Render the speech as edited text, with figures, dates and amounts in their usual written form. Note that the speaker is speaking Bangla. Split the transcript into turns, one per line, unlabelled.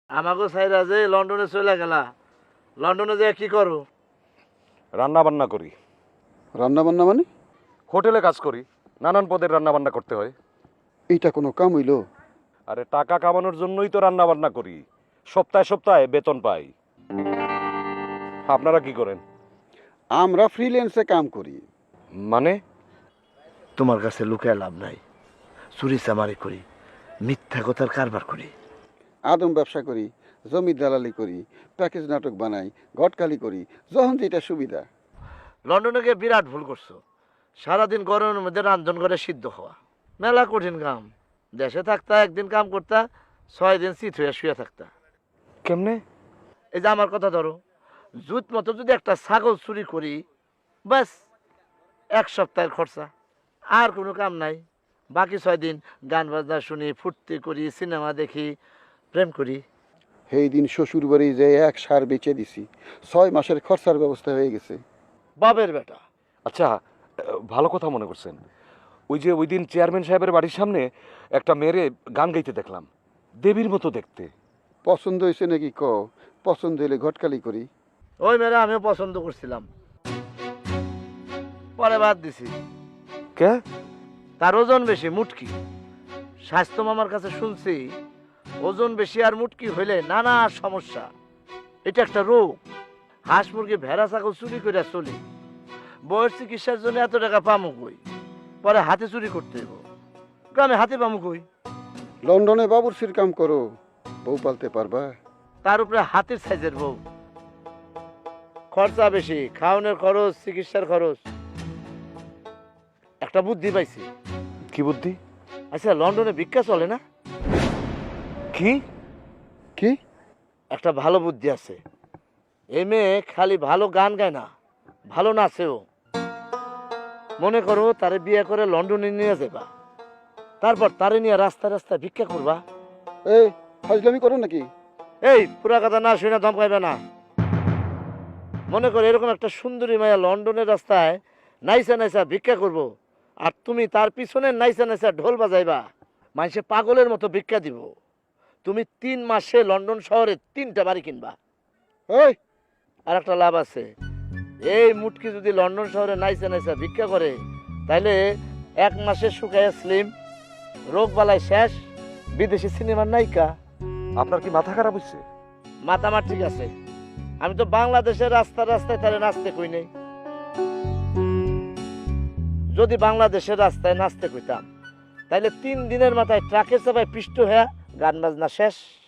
আমাকে সাইরা যে লন্ডনে চলে গেলা, লন্ডনে যে কি করো?
রান্না বান্না করি।
রান্না বান্না মানে?
হোটেলে কাজ করি, নানান পদের রান্না বান্না করতে হয়।
এইটা কোনো কাম হইল?
আরে টাকা কামানোর জন্যই তো রান্না বান্না করি, সপ্তাহে সপ্তাহে বেতন পাই। আপনারা কি করেন?
আমরা ফ্রিল্যান্সে কাম করি।
মানে?
তোমার কাছে লুকায় লাভ নাই। চুরি চামারি করি, মিথ্যা কথার কারবার করি।
আদম ব্যবসা করি, জমি দালালি করি, প্যাকেজ নাটক বানাই, ঘটকালি করি, যখন যেটা সুবিধা।
লন্ডনে গিয়ে বিরাট ভুল করছো। সারাদিন গরমের মধ্যে রান্ধন করে সিদ্ধ হওয়া মেলা কঠিন কাম। দেশে থাকতা একদিন কাম করতা, 6 দিন চিত হয়ে শুয়ে থাকতা।
কেমনে?
এই যে আমার কথা ধরো, জুত মতো যদি একটা ছাগল চুরি করি, ব্যাস 1 সপ্তাহের খরচা, আর কোনো কাম নাই। বাকি 6 দিন গান বাজনা শুনি, ফুর্তি করি, সিনেমা দেখি, প্রেম করি।
সেই দিন শ্বশুর বাড়ি যে এক সার বেচে দিছি, 6 মাসের খরচার ব্যবস্থা হয়ে গেছে।
বাবের বেটা।
আচ্ছা, ভালো কথা মনে করছেন। ওই দিন চেয়ারম্যান সাহেবের বাড়ির সামনে একটা মেয়েরে গান গাইতে দেখলাম, দেবীর মতো দেখতে।
পছন্দ হয়েছে নাকি ক? পছন্দ হইলে ঘটকালি করি।
ওই মেয়েরা আমিও পছন্দ করছিলাম, পরে বাদ দিছি।
কে?
তার ওজন বেশি, মুটকি। স্বাস্থ্য মামার কাছে শুনছি, ওজন বেশি আর মুটকি হইলে নানা সমস্যা। এটা একটা রোগ। হাঁস মুরগি ভেড়া ছাগল চুরি করে চলি, বয়স চিকিৎসার জন্য এত টাকা পামু কই? পরে হাতে চুরি করতে হইব, গ্রামে হাতে পামু কই?
লন্ডনে বাবুর্চির কাম করো, বউ পালতে পারবা?
তার উপরে হাতের সাইজের বউ, খরচা বেশি, খাওয়ানোর খরচ, চিকিৎসার খরচ। একটা বুদ্ধি পাইছি।
কি বুদ্ধি?
আচ্ছা, লন্ডনে ভিক্ষা চলে না?
কি?
কি?
একটা ভালো বুদ্ধি আছে। এই মেয়ে খালি ভালো গান গায় না, ভালো নাচেও। মনে করো তারে বিয়ে করে লন্ডনে নিয়ে যাবা, তারপর তারে নিয়ে রাস্তায় রাস্তায় ভিক্ষা করবা।
এই ফাজলামি করো নাকি?
এই পুরা কথা না শুনে ধমকাইবে না। মনে করো এরকম একটা সুন্দরী মায়া লন্ডনের রাস্তায় নাইসা নাইসা ভিক্ষা করব, আর তুমি তার পিছনে নাইসা নাইসা ঢোল বাজাইবা, মানুষে পাগলের মতো ভিক্ষা দিব। তুমি 3 মাসে লন্ডন শহরে 3টা বাড়ি কিনবা।
এই
আর একটা লাভ আছে, এই মুটকি যদি লন্ডন শহরে নাইসা নাইসা ভিক্ষা করে, তাইলে 1 মাসে শুকায় স্লিম, রোগ বালাই শেষ, বিদেশি সিনেমার নায়িকা।
আপনার কি মাথা খারাপ হচ্ছে?
মাথা আমার ঠিক আছে। আমি তো বাংলাদেশের রাস্তায় রাস্তায় তারে নাচতে কই নাই। যদি বাংলাদেশের রাস্তায় নাচতে কইতাম, তাইলে 3 দিনের মাথায় ট্রাকে চাপায় পিষ্ট হয়ে গান বাজনা শেষ।